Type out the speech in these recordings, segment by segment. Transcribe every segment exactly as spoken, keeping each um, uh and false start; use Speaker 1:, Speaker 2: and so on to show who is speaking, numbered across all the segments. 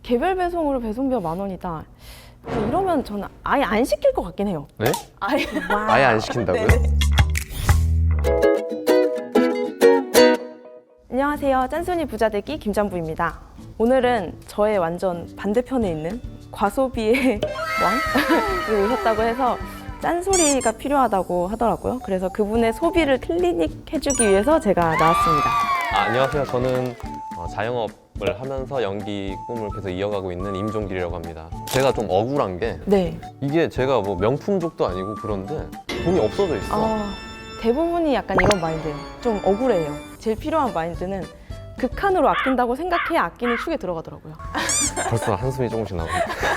Speaker 1: 개별 배송으로 배송비가 만 원이다. 이러면 저는 아예 안 시킬 것 같긴 해요.
Speaker 2: 네?
Speaker 1: 아예,
Speaker 2: 아예 안 시킨다고요?
Speaker 1: 네네. 안녕하세요. 짠순이 부자되기 김잠부입니다. 오늘은 저의 완전 반대편에 있는 과소비의 왕이 오셨다고 해서 짠소리가 필요하다고 하더라고요. 그래서 그분의 소비를 클리닉 해주기 위해서 제가 나왔습니다.
Speaker 2: 아, 안녕하세요. 저는 어, 자영업을 하면서 연기 꿈을 계속 이어가고 있는 임종길이라고 합니다. 제가 좀 억울한 게
Speaker 1: 네.
Speaker 2: 이게 제가 뭐 명품족도 아니고 그런데 돈이 없어져 있어.
Speaker 1: 아, 대부분이 약간 이런 마인드예요. 좀 억울해요. 제일 필요한 마인드는 극한으로 아낀다고 생각해야 아끼는 축에 들어가더라고요.
Speaker 2: 벌써 한숨이 조금씩 나오고.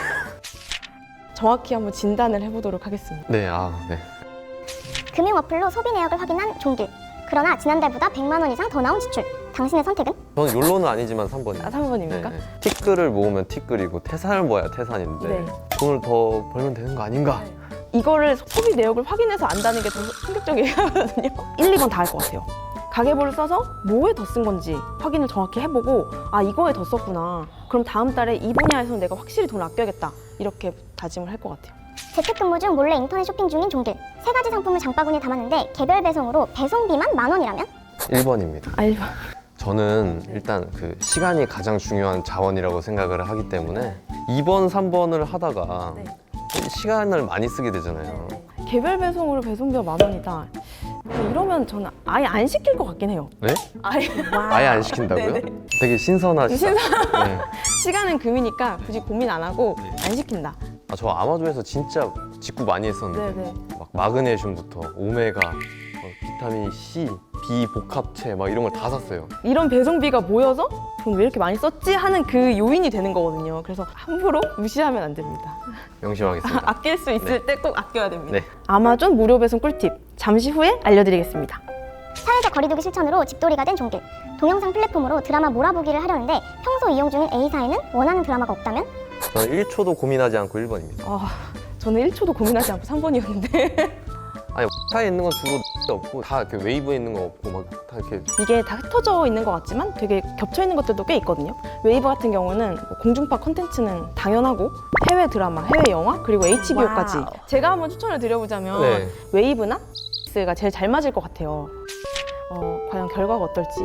Speaker 1: 정확히 한번 진단을 해보도록 하겠습니다.
Speaker 2: 네, 아, 네.
Speaker 3: 금융 어플로 소비 내역을 확인한 종길. 그러나 지난달보다 백만 원 이상 더 나온 지출. 당신의 선택은?
Speaker 2: 저는 욜로는 아니지만 삼 번이에요.
Speaker 1: 아, 삼 번입니까?
Speaker 2: 네, 네. 티끌을 모으면 티끌이고 태산을 모아야 태산인데
Speaker 1: 네.
Speaker 2: 돈을 더 벌면 되는 거 아닌가?
Speaker 1: 이거를 소비 내역을 확인해서 안다는 게 더 충격적이거든요. 일, 이 번 다 할 것 같아요. 가계부를 써서 뭐에 더 쓴 건지 확인을 정확히 해보고 아 이거에 더 썼구나. 그럼 다음 달에 이 분야에서는 내가 확실히 돈을 아껴야겠다. 이렇게 다짐을 할 것 같아요.
Speaker 3: 재택근무 중 몰래 인터넷 쇼핑 중인 종길. 세 가지 상품을 장바구니에 담았는데 개별 배송으로 배송비만 만 원이라면?
Speaker 2: 일 번입니다.
Speaker 1: 아, 일 번.
Speaker 2: 저는 일단 그 시간이 가장 중요한 자원이라고 생각을 하기 때문에 이 번, 삼 번을 하다가
Speaker 1: 네.
Speaker 2: 시간을 많이 쓰게 되잖아요.
Speaker 1: 개별 배송으로 배송비가 만 원이다. 이러면 저는 아예 안 시킬 것 같긴 해요.
Speaker 2: 네?
Speaker 1: 아예,
Speaker 2: 아예 안 시킨다고요?
Speaker 1: 네네.
Speaker 2: 되게 신선하시다. 네.
Speaker 1: 시간은 금이니까 굳이 고민 안 하고 안 시킨다.
Speaker 2: 아, 저 아마존에서 진짜 직구 많이 했었는데
Speaker 1: 네네.
Speaker 2: 막 마그네슘부터 오메가, 어, 비타민 C, B 복합체 막 이런 걸 다 샀어요.
Speaker 1: 이런 배송비가 모여서 돈 왜 이렇게 많이 썼지 하는 그 요인이 되는 거거든요. 그래서 함부로 무시하면 안 됩니다.
Speaker 2: 명심하겠습니다.
Speaker 1: 아낄 수 있을 때 꼭 아껴야 됩니다.
Speaker 2: 네.
Speaker 1: 아마존 무료 배송 꿀팁 잠시 후에 알려드리겠습니다.
Speaker 3: 사회적 거리두기 실천으로 집돌이가 된 종길. 동영상 플랫폼으로 드라마 몰아보기를 하려는데 평소 이용 중인 A사에는 원하는 드라마가 없다면?
Speaker 2: 저는 일 초도 고민하지 않고 일 번입니다.
Speaker 1: 아, 저는 일 초도 고민하지 않고 삼 번이었는데
Speaker 2: 아니 차에 있는 건 주로 없고 다 이렇게 웨이브에 있는 거 없고 막 다 이렇게
Speaker 1: 이게 다 흩어져 있는 것 같지만 되게 겹쳐 있는 것들도 꽤 있거든요. 웨이브 같은 경우는 뭐 공중파 콘텐츠는 당연하고 해외 드라마, 해외 영화 그리고 에이치비오까지
Speaker 3: 와우.
Speaker 1: 제가 한번 추천을 드려보자면
Speaker 2: 네.
Speaker 1: 웨이브나 넷플릭스가 제일 잘 맞을 것 같아요. 어, 과연 결과가 어떨지.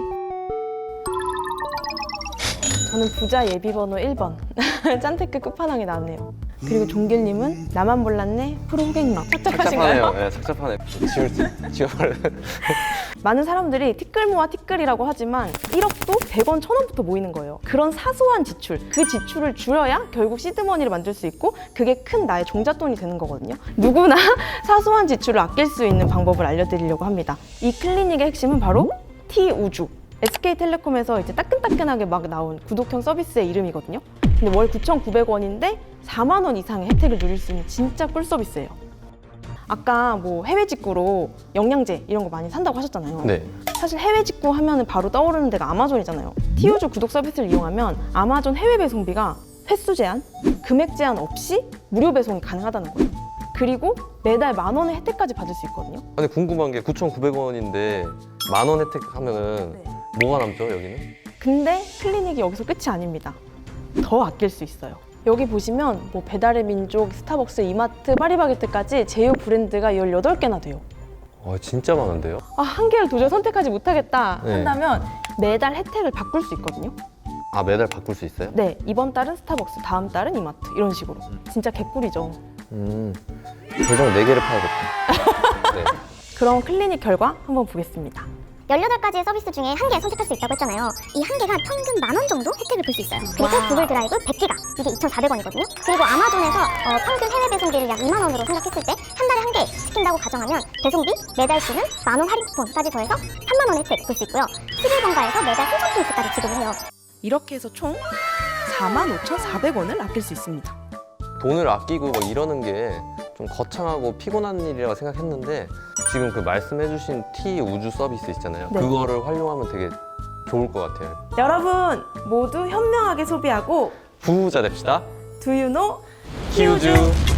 Speaker 1: 저는 부자 예비번호 일 번 짠테크 끝판왕이 나왔네요. 그리고 종길님은 나만 몰랐네 프로 호객막 착잡하신가요?
Speaker 2: 착잡하네요. 네, 착잡하네. 지울 수, 지워버려.
Speaker 1: 많은 사람들이 티끌 모아 티끌이라고 하지만 일억도 백 원, 천 원부터 모이는 거예요. 그런 사소한 지출, 그 지출을 줄여야 결국 시드머니를 만들 수 있고 그게 큰 나의 종잣돈이 되는 거거든요. 누구나 사소한 지출을 아낄 수 있는 방법을 알려드리려고 합니다. 이 클리닉의 핵심은 바로 T우주. 에스케이텔레콤에서 이제 따끈따끈하게 막 나온 구독형 서비스의 이름이거든요. 근데 월 구천구백 원인데 사만 원 이상의 혜택을 누릴 수 있는 진짜 꿀 서비스예요. 아까 뭐 해외 직구로 영양제 이런 거 많이 산다고 하셨잖아요.
Speaker 2: 네.
Speaker 1: 사실 해외 직구 하면은 바로 떠오르는 데가 아마존이잖아요. T우주 구독 서비스를 이용하면 아마존 해외 배송비가 횟수 제한, 금액 제한 없이 무료 배송이 가능하다는 거예요. 그리고 매달 만 원의 혜택까지 받을 수 있거든요.
Speaker 2: 근데 궁금한 게 구천구백 원인데 만 원 혜택 하면은
Speaker 1: 네.
Speaker 2: 뭐가 남죠, 여기는?
Speaker 1: 근데 클리닉이 여기서 끝이 아닙니다. 더 아낄 수 있어요. 여기 보시면 뭐 배달의 민족, 스타벅스, 이마트, 파리바게뜨까지 제휴 브랜드가 열여덟 개나 돼요.
Speaker 2: 와, 진짜 많은데요?
Speaker 1: 아, 한 개를 도저히 선택하지 못하겠다
Speaker 2: 네.
Speaker 1: 한다면 매달 혜택을 바꿀 수 있거든요.
Speaker 2: 아, 매달 바꿀 수 있어요?
Speaker 1: 네, 이번 달은 스타벅스, 다음 달은 이마트 이런 식으로. 진짜 개꿀이죠.
Speaker 2: 음, 계정 네 개를 파야겠다. 네.
Speaker 1: 그럼 클리닉 결과 한번 보겠습니다.
Speaker 3: 열여덟 가지의 서비스 중에 한 개 선택할 수 있다고 했잖아요. 이 한 개가 평균 만 원 정도 혜택을 볼 수 있어요. 그리고 구글 드라이브 백 기가 이게 이천사백 원이거든요. 그리고 아마존에서 어, 평균 해외 배송비를 약 이만 원으로 생각했을 때 한 달에 한 개 시킨다고 가정하면 배송비, 매달 쓰는 만 원 할인 쿠폰까지 더해서 삼만 원 혜택 볼 수 있고요. 십일 번가에서 매달 삼천 포인트까지 지급을 해요.
Speaker 1: 이렇게 해서 총 사만 오천사백 원을 아낄 수 있습니다.
Speaker 2: 돈을 아끼고 막 이러는 게 좀 거창하고 피곤한 일이라고 생각했는데 지금 그 말씀해주신 T 우주 서비스 있잖아요.
Speaker 1: 네.
Speaker 2: 그거를 활용하면 되게 좋을 것 같아요.
Speaker 1: 여러분 모두 현명하게 소비하고
Speaker 2: 부자 됩시다.
Speaker 1: Do you know?
Speaker 2: 키우주.